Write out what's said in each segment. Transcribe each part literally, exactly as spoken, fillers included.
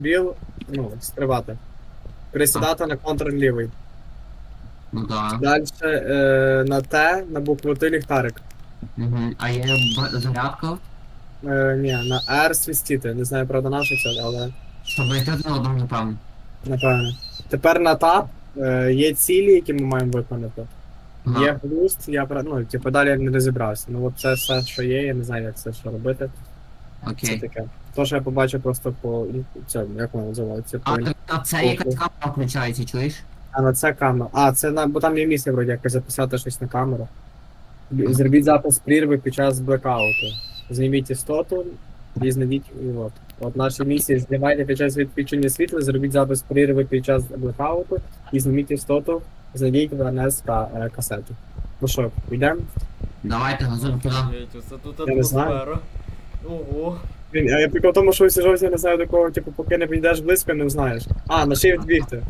Біл, ну, стрибати. Присідати на контр лівий. Ну да. Далі е, на Т, на букву Т ліхтарик. Угу. А є б- зарядка, Е, ні, на R свістіти. Не знаю, правда, на що це, але щоб знайти один одного, напевно. напевно. Тепер на тап е, є цілі, які ми маємо виконати. Є Ага. глузд, я про- ну, типу, далі я не розібрався. Ну от це все, що є, я не знаю, як це що робити. Це Окей. таке. То, що я побачив просто по цьому, як воно називається, по А так на це якась камера включається, чуєш? а на це камера. А, це на. Бо там є місце вроді якось записати щось на камеру. Зробіть запис прірви під час блекауту. Зніміть істоту і знайдіть і от. От наші місії знімайте під час відключення світла, зробіть запис прірви під час блекауту і зніміть істоту, знайдіть в ен ес та е, касету. Ну що, йдемо? Давайте газуємо туди. Офігеть, оце тут Я не знаю. атмосфера. Ого. Блін, а я прикол в тому, що всі жовті не знаю до кого, типу, поки не підійдеш близько, не знаєш. А, на shift бігти.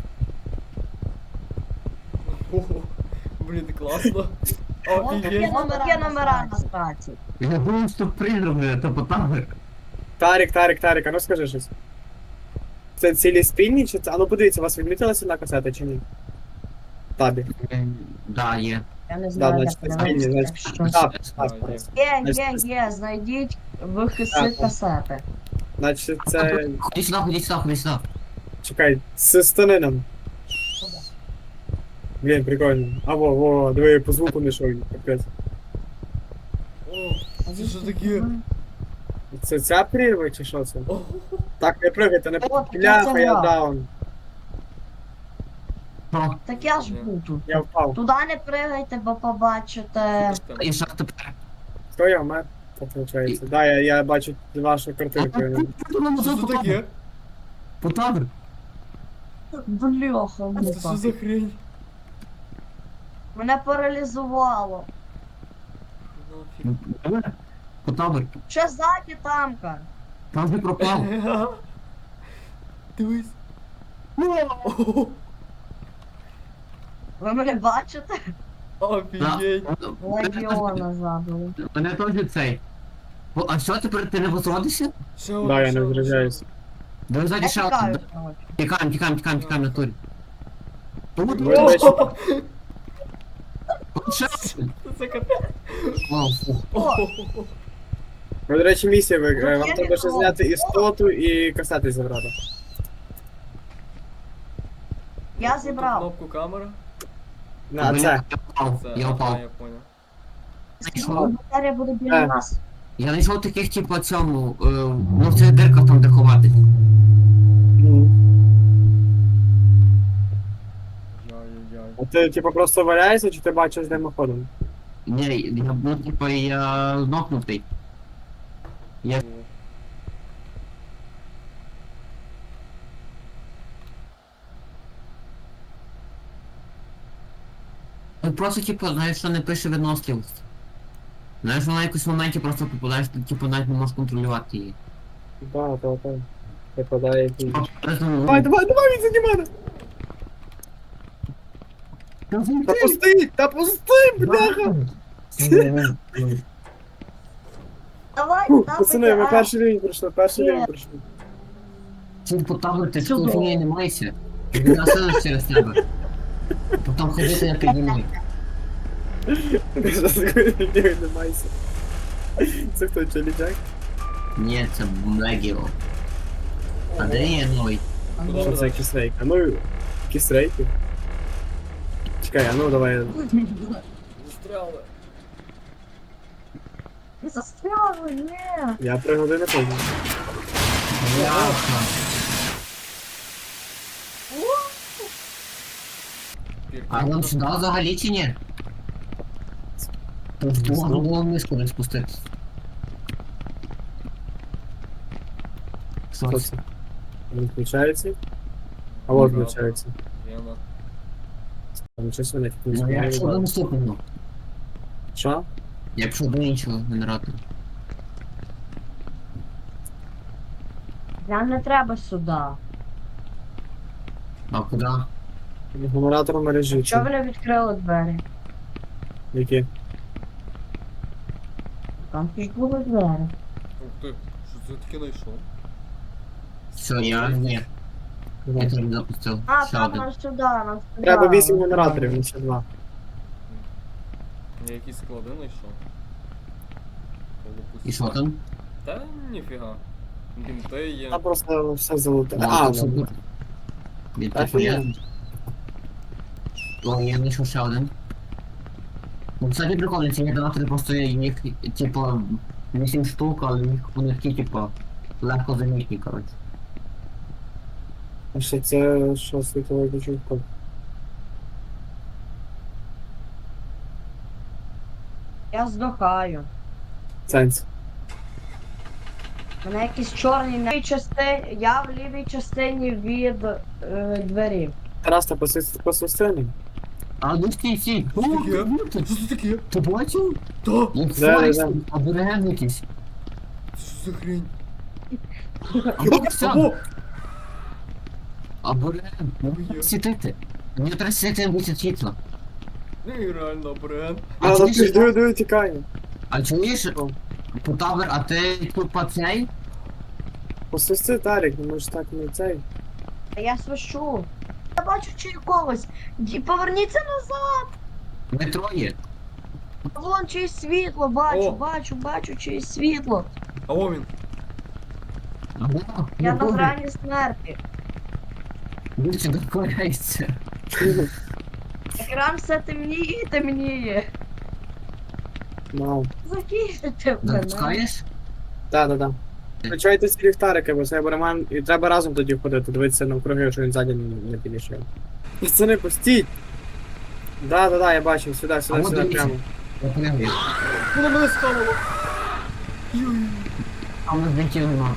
Ого. Блін, класно. Ось Офігеть. такі номера, номера на страці. Я думаю, що призраки, то потавер. Тарік, Тарік, Тарік, а ну скажи щось. Це цілі спільні чи це. А ну подивіться, у вас відмітилася на касети чи ні? Табі. Да, є. Я не Да, знаю, значить, як спільні, подивитися, значить. що. Так, А, так, є. так. Є, є, є, знайдіть вихиси Так. касети. Значить, це. Ходи сюди, ходи сюди, ходи сюди. Чекай, з станином. Блін, прикольно. А во, во, диви, по звуку не йшов, капець. О, це що таке? Це ця прірва чи що це? Ого. Так, не пригайте, не От, пляха, це я я. даун. Що? Так я ж був тут. Я впав. Туди не пригайте, бо побачите. Що там? І що тепер? Хто я вмер? Так виходить. Да, я, я бачу вашу картинку. Що це таке? Потавер. Бляха, Це що муха. за хрень? Мене паралізувало. Нафіг. Потавер. Ще ззаді тамка. Там же пропав. Дивись. Ого. Ви мене бачите? Офігеть. Легіона забили. Мене теж цей. О, а що тепер ти не возродишся? Ще один, Да, я ще не один, зрозуміюсь. Да ззаді Я ще тікаю, один. коротше. Тікаємо, тікаємо, тікаємо, тікаємо на турі. Тут, Ви, ще до один. речі, Ого. тут ще один. Це капець. Вау, фу. Ого. ви, до речі, місія, ви, Ну, е, вам я треба не ще знаю. зняти істоту і касети забрати. Я Тут зібрав. Кнопку камера. На, Блін, це. Я впав, Це, я ага, впав. я понял. Знайшов. Батарія буде біля Е. нас. Я знайшов таких, типу, цьому, е, ну в цих дирках там де ховати. Ну. Яй-яй-яй. А ти, типу, просто валяєшся, чи ти бачиш димоходом? Ні, я, ну, типу, я нокнутий. Я О. ну, просто, типу, знаєш, що не пише виносливість. Знаєш, вона в якось моменті просто попадаєш, ти, типу, навіть не можеш контролювати її. Так, так, так. Припадає якийсь. Просто, ну, Давай, давай, давай, він заді мене! Та пусти! Та пусти, бляха! Давай, Фух, давай. Пацани, ми перший рівень пройшли, перший Ні. рівень пройшли. Ці типу табор, ти Чудово. ж фігні не майся. Він насилиш через тебе. Потім ходити на піднімай. Ні, не майся. Це хто, Челі Джек? Ні, це Мегіо. А де є новий? Що це кісрейка? Ну, кісрейки. Чекай, а ну давай. Застряли. Застряли, ні. Я три години позже. Бляха. А нам сюди взагалі чи ні? Тут можна було мишку не спустити. Що Що це? це? Він включається? А от включається. Гена. Там щось вони тут Ну я не пішов до наступного. Що? Я пішов до іншого генератора. Нам не треба сюди. А куди? Генератор мережі. Чого ви не відкрили двері? Які? Там ж були двері. Ух ти, що це таке знайшов? Все, я ні. Я Давай. теж не запустив. А, Ще там один. на сюди, на сюди. Треба вісім генераторів, не ще два. Я якісь склади знайшов. І що там? Та ніфіга. Бінти є. Там просто все золоте. О, А, тут все ну, тут. Він Та типу фігня. є. О, я знайшов ще один. Ну, кстати, прикольно, ці генератори просто їх, типу, вісім штук, але їх вони такі, типу, легко замітні, коротше. а ще це що світовий ключовка. Я здохаю. Сенс. Мене якісь чорні на лівій частині. Я в лівій частині від е, двері. Тарас, та посусти. А ну стій, стій! О, Що таке? ну ти- Що це таке? Ти бачив? Та! Як Да, файс, да, да. абориген якийсь. Що за хрень? Або все, Або! абориген. Ну, Є. світити. Мені треба світити висить світло. Ну і реально, бренд. А А, чуєш, ну диви, диви, тікає. А чуєш, О. Потавер, а ти тут по цей? Посусти, Тарик, ну може так не цей. А я свищу. Я бачу чи когось. Ді- Поверніться назад. Ми троє. Вон чиєсь світло, бачу, О. бачу, бачу чиєсь світло. А о він. Ага, Я ну на добре. грані смерті. Він сюди вкладається. Екран все темніє і темніє. Мау. Закінчите мене. Запускаєш? Так, так, так. Включайте ці ліхтарики, бо це Роман, і треба разом тоді ходити, дивитися навкруги, що він ззаді не, не підійшов. Пацани, пустіть! Да, да, да, я бачив, сюди, А сюди, от сюди, дивіться. прямо. Я поняв. Воно мене схавало. Юй. А ми злетів нема.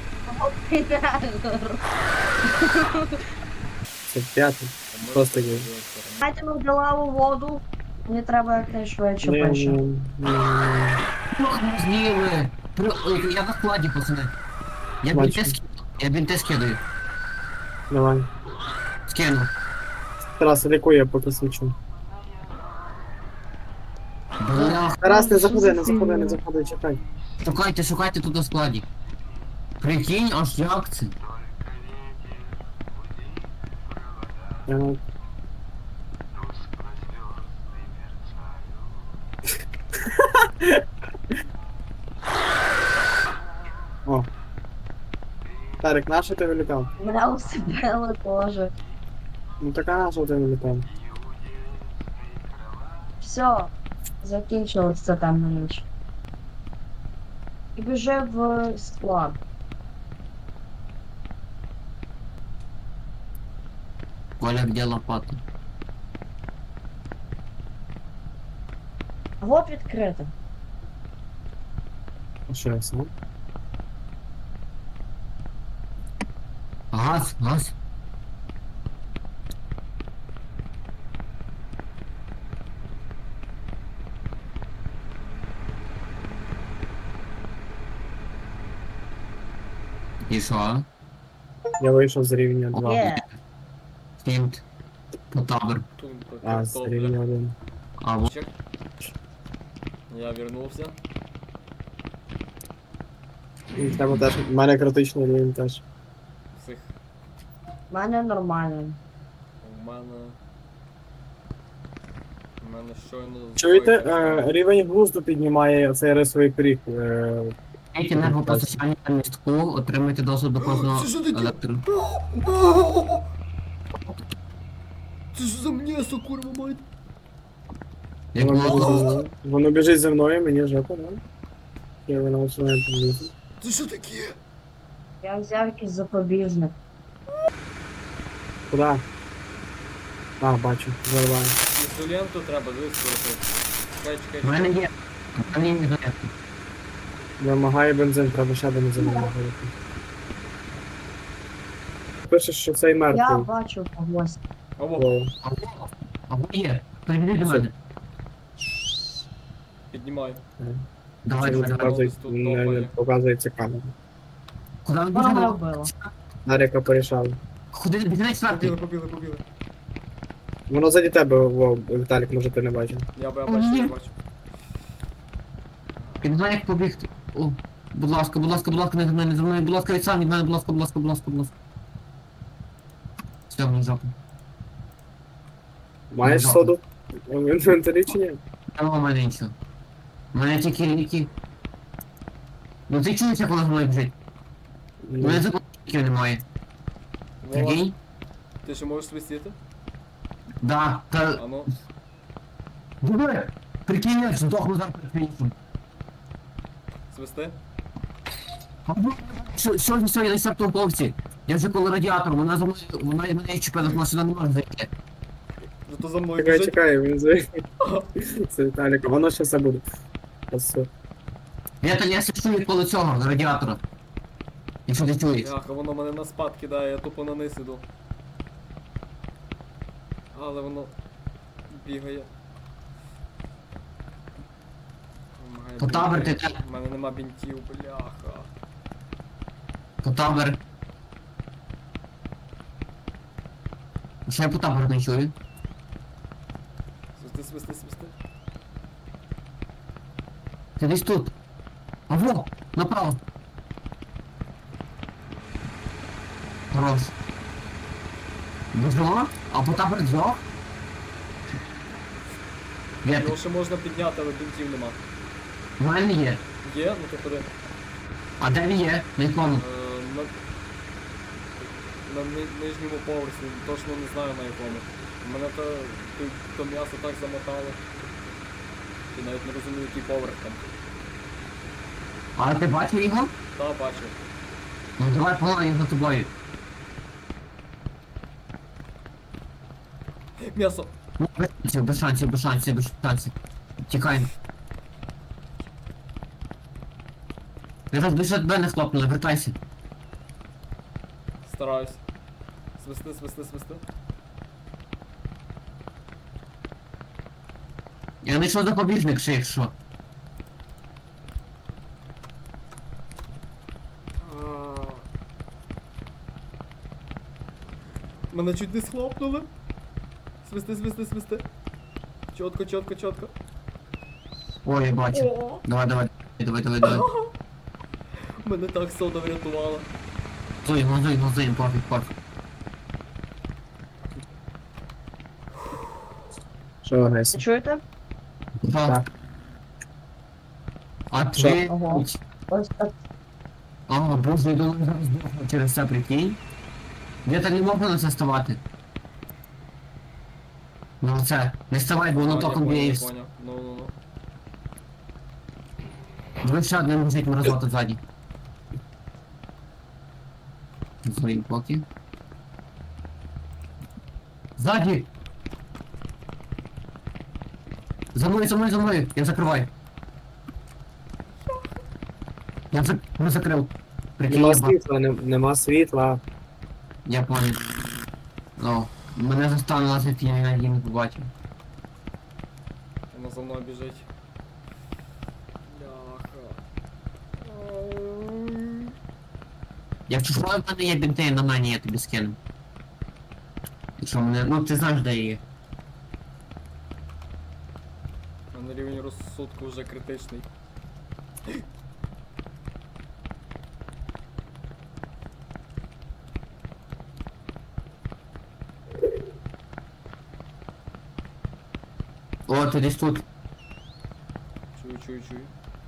Це п'ятий. Просто є. Дайте ми в лаву воду. Мені треба якнайшвидше Не, пише. не, не. Ох, ми з'їли. При- ой, Я на складі, пацани. Я Бачу. бінти скидаю. Я бінти скидаю. Давай. Скину. Тарас, лікує, я поки свічу. Бля, Тарас, не Що заходи, за не заходи, фігня? не заходи, чекай. шукайте, шукайте тут на складі. Прикинь, аж як це? Я... О. Тарик, на що ти вилітав? Мене усипили теж. Ну така на що ти вилітав? Все. Закінчилось це темна ніч. І біжи в склад. Коля, где лопата? Вот відкрито. А що я сам? Газ, газ. І що? Я вийшов з рівня два. Є. Фінт. Потабер. Тут А, з рівня один. А вот. Чек. Я вернувся. І в тебе теж, в мене критичний рівень теж. Всіх. В мене нормально. У мене. У мене щойно. Чуєте, зайшов. е, рівень глузду піднімає цей рисовий прыг. Е, Эти енергопостачання на містку, отримайте доступ до кожного Це що таке? електро. Це що за м'ясо, курва мать? Як воно, біжить за було? мною. Воно біжить за мною, мені жопа, да? Я воно починає підлізти. Це що таке? Я взяв якийсь запобіжник. Куда? А, бачу, зарваю. Ізоленту треба вискорити. Чекай, чекай, У мене чекай. є. У мене є зарядка. Вимагає бензин, треба ще бензин вимагати. Пише, що цей Я мертвий. бачу когось. Або, О, Або є. Приведи до Все. мене. піднімай. Давай, це не давай, давай. показується- тут не, не топає. показується камера. Куди ми Вона мене біжимо? вбила. Наріка порішав. Куди біжи на четвертий? Побіли, побіли, побіли. Воно заді тебе, Вов, Віталік, може ти не бачив. Я б я бачу, я бачу. Я не знаю, як побігти. О, Будь ласка, будь ласка, будь ласка, не за мною, не за мною, будь ласка, від сам від мене, будь ласка, будь ласка, будь ласка, будь ласка. Все, мені жопу. Маєш Жопу. соду? В інвентарі чи ні? Нема в мене нічого. У мене тільки ліки. Ну ти чуєш, як вона за мною біжить? У мене закупків немає. Вова, Прикинь? ти ще можеш свистіти? Да, та... А ну. Диви! Прикинь, я здохну зараз перед фінішем. Свисти? Що, що ж сьогодні на септовці? Я вже коло радіатору, вона за мною, вона мене чіпила, вона сюди не може зайти. Зато за мною Чекай, біжить. чекай, він звик. Це Віталік, воно ще все буде. Ось все. Я то я сиджу від коло цього, радіатора. Якщо ти чуєш. Ах, а воно мене на спад кидає, я тупо на низ іду. Але воно бігає. Вимагає То табір бінтів. ти те. У мене нема бінтів, бляха. По табор. Ще я по табору не чую. Свисти, свисти, свисти. Ти десь тут. А во! Направо. Хорош. Біжимо? А по табор дзьох? Де ти? Його ще можна підняти, але бінтів нема. У мене є. Є? Ну то ходи. А де він є? На якому? Е, на... на ни- нижньому поверсі, точно не знаю на якому. Мене то, то, то м'ясо так замотало. І навіть не розумію, який поверх там. А ти бачив його? Та, бачу. Ну давай погнали за тобою. М'ясо! Ну, без шансів, без шансів, без шансів, без шансів. Тікаємо. Я зараз більше тебе не хлопнули, вертайся. Стараюсь. Свисти, свисти, свисти. Я знайшов запобіжник ще якщо. А. Мене чуть не схлопнули. Свисти, свисти, свисти. Чотко, чотко, чотко. Ой, я бачу. О, Давай, давай, давай, давай, давай. мене так сода врятувала. Зуй, зуй, зуй, пофіг, пофіг. Що, Гесі? Чуєте? Так. А Що? ти... Ага. Ось так. А, боже, я думаю, зараз здохну через це, прикинь. Я так не можна на це ставати. Ну це, не ставай, бо воно А, я током поняв, б'є і я вс- поняв. Ну, ну, ну. Диви, ще один лежить мразота ззаді. Зої поки. Ззаді! За мною, за мною, за мною! Я закриваю. Я зак... не закрив. Прикинь, Нема я, ба- світла, не- нема світла. я понял. Ну, мене заставила зайти, я її не побачив. Вона за мною біжить. Бляха. Якщо що в мене є бінти на мені, я тобі скину. Якщо мене... Ну ти знаєш, де є. У мене рівень розсудку вже критичний. О, ти десь тут. Чую, чую, чую.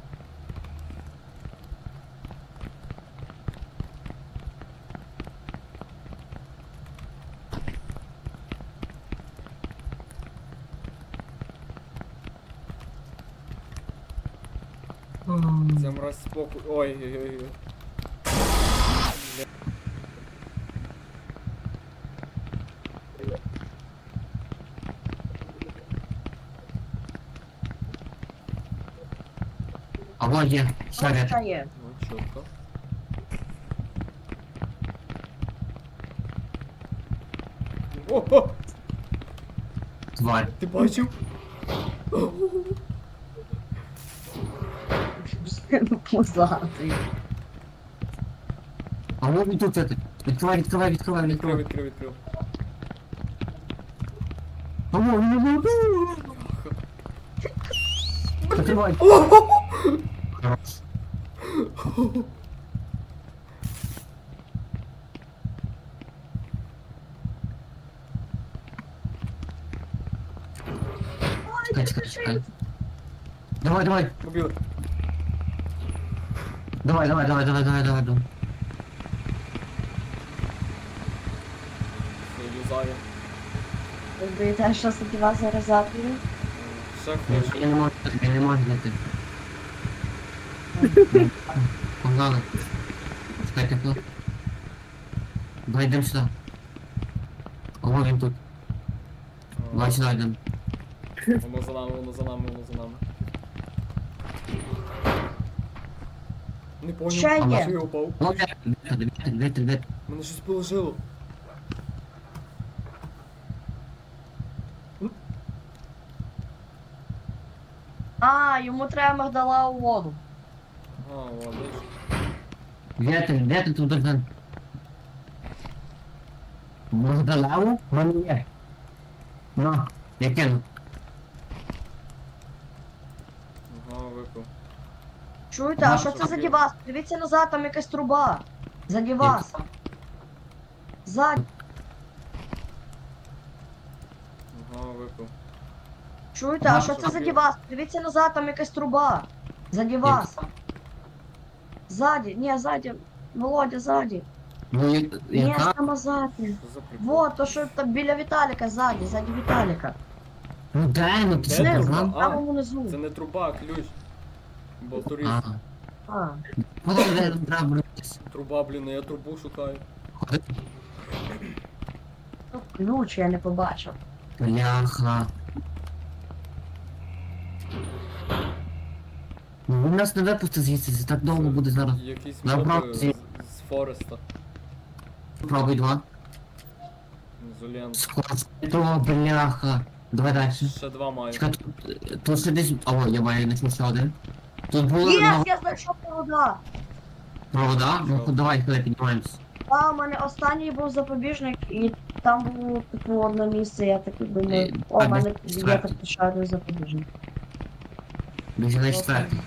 Це мразь спокій. Ой, ой, ой, ой. А вот є, ще ряд. Ось є. Ну, чітко. О, о, Тварь. ти бачив? Пузатий. А вот він тут это. Відкривай, відкривай, відкривай, Відкрив, відкривай. відкрив, відкрив. А вот, він тут. Закривай. Хорош. Чекай, чекай, чекай. Давай, давай, Побігли. давай, давай, давай, давай, давай, давай, давай. Все, юзаю. Ви боїте, що таки вас зараз заб'ю? Ще Я, хочу. я не можу, я не можу знайти. Погнали. Чекай, тепло. Давай йдемо сюди. Ого, він тут. Давай сюди йдемо. Воно за нами, воно за нами, воно за нами. Не понял, Ще а є. що я упав? О, вітер, вітер, вітер, вітер. Мене щось положило. А, йому треба магдала у воду. А, ладно. Вітер, вітер тут один. Магдалаву? В мене є. На, я кину. Ага, випив. Чуєте, а що це заді вас? Дивіться назад, там якась труба. Заді вас. Ззаді. Ага, випив. Чуєте, а що це заді вас? Дивіться назад, там якась труба. Заді вас. Ззаді, ні, ззаді. Володя, ззаді. Ну, я- Ні, яка? саме ззаді. Що за прикол? Вот, то що там біля Віталіка, ззаді, ззаді Віталіка. Ну дай, ну ти Де що труба? казав? А, Там внизу. Це не труба, а ключ. Бо турист. А, А. куди де треба братись? Труба, блін, я трубу шукаю. Куди? Ну, ключ я не побачив. Бляха. Ну, він нас не випустить звідси, це так довго буде зараз. Якісь Набрав моби ці- з, з Фореста. Пробуй два. З Улен. Сколько, бляха. Давай дальше. Ще два маю. Чекай, тут, тут ще десь... О, я маю знайшов ще один. Тут було Єс, на я знайшов провода. провода. Ну, Що? давай, коли піднімаємось. А, у мене останній був запобіжник, і там було типу одне місце, я так думаю. Е, О, а у мене де є четвертий? так ще один запобіжник. Біжи на четвертий.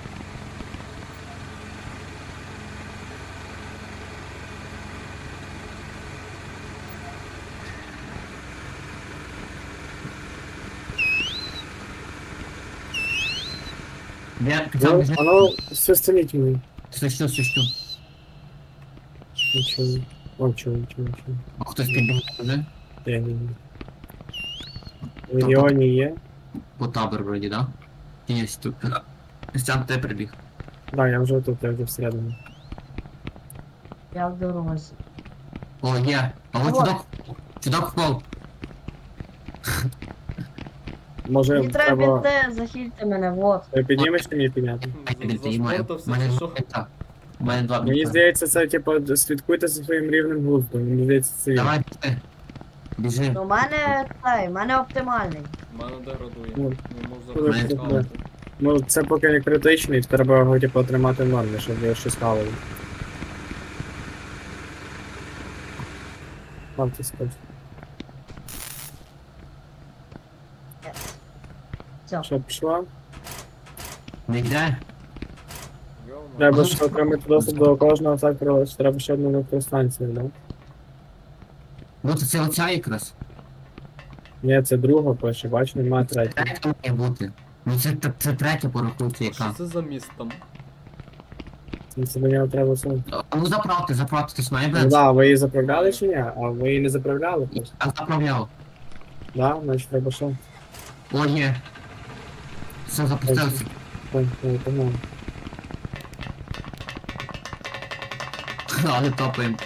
Я Ну, почав біжи. воно все стремительно. Свищу, свищу. Нічого. О, чого, нічого, нічого. А хтось підбіг вже? Я не знаю. В регіоні є. По табор вроді, да? Є тут. Сам те прибіг. Да, я вже тут, я вже всередині. Я в дорозі. О, є. А от Вот. чудак. Чудак впав. Може, Мені треба треба... бінти, захильте мене, вот. Ти піднімеш чи мені підняти? Я За, не маю. заспортався У мене чи два що? бінта. У мене два Мені бінта. здається, це типу, слідкуйте за своїм рівнем глузду. Мені здається, це він. Давай, біжи. Біжи. Ну, у мене цей, у мене оптимальний. В мене деградує. Ну, Не можу коли зараз буде. скалити. Ну, це поки не критичний, треба його типу, тримати в нормі, щоб я щось хавали. Вам це скажу. Все. Що, пішла? Не йде? Йома. Треба ж отримати доступ до кожного сектора, треба ще одну електростанцію, да? Ну, то це оця якраз. Ні, це друга пише, бач, немає третьої. Третя має бути. Ну, це, це, це третя порахується Що яка. це за міст там? Це- Це до нього треба все. А ну заправте, заправте, хтось має Ну брати. да, ви її заправляли чи ні? А ви її не заправляли просто? А заправляв. Да, значить треба що? О, є. Все, запустився. Ой, ой, погнали. Але топаємо.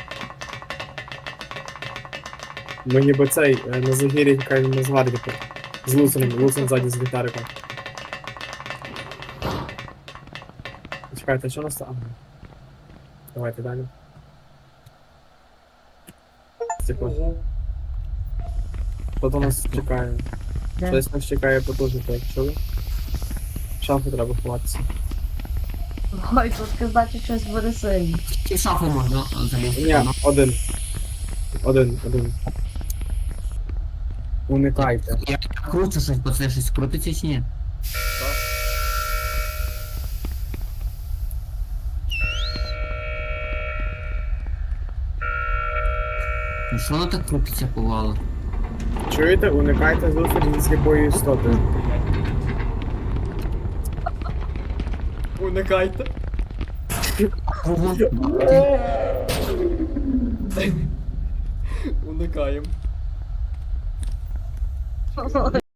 Ми ніби цей, е, на загірі яка на звардіку. З Луцем, Луцем ззаді з гітариком. Чекайте, що у нас там? Ага. Давайте далі. Секунду. Ого. Що там нас чекає? Де? Щось нас чекає потужно, так, чули? В шафу треба ховатися. Ой, тут казати щось буде сильно. І в шафу можна залізти. Ні, Ну, один. Один, один. Уникайте. Я кручу щось, бо це щось крутиться чи ні? Так. Ну що воно так крутиться повало? Чуєте, уникайте зустрічі зі сліпою істотою. Уникайте. Уникаємо.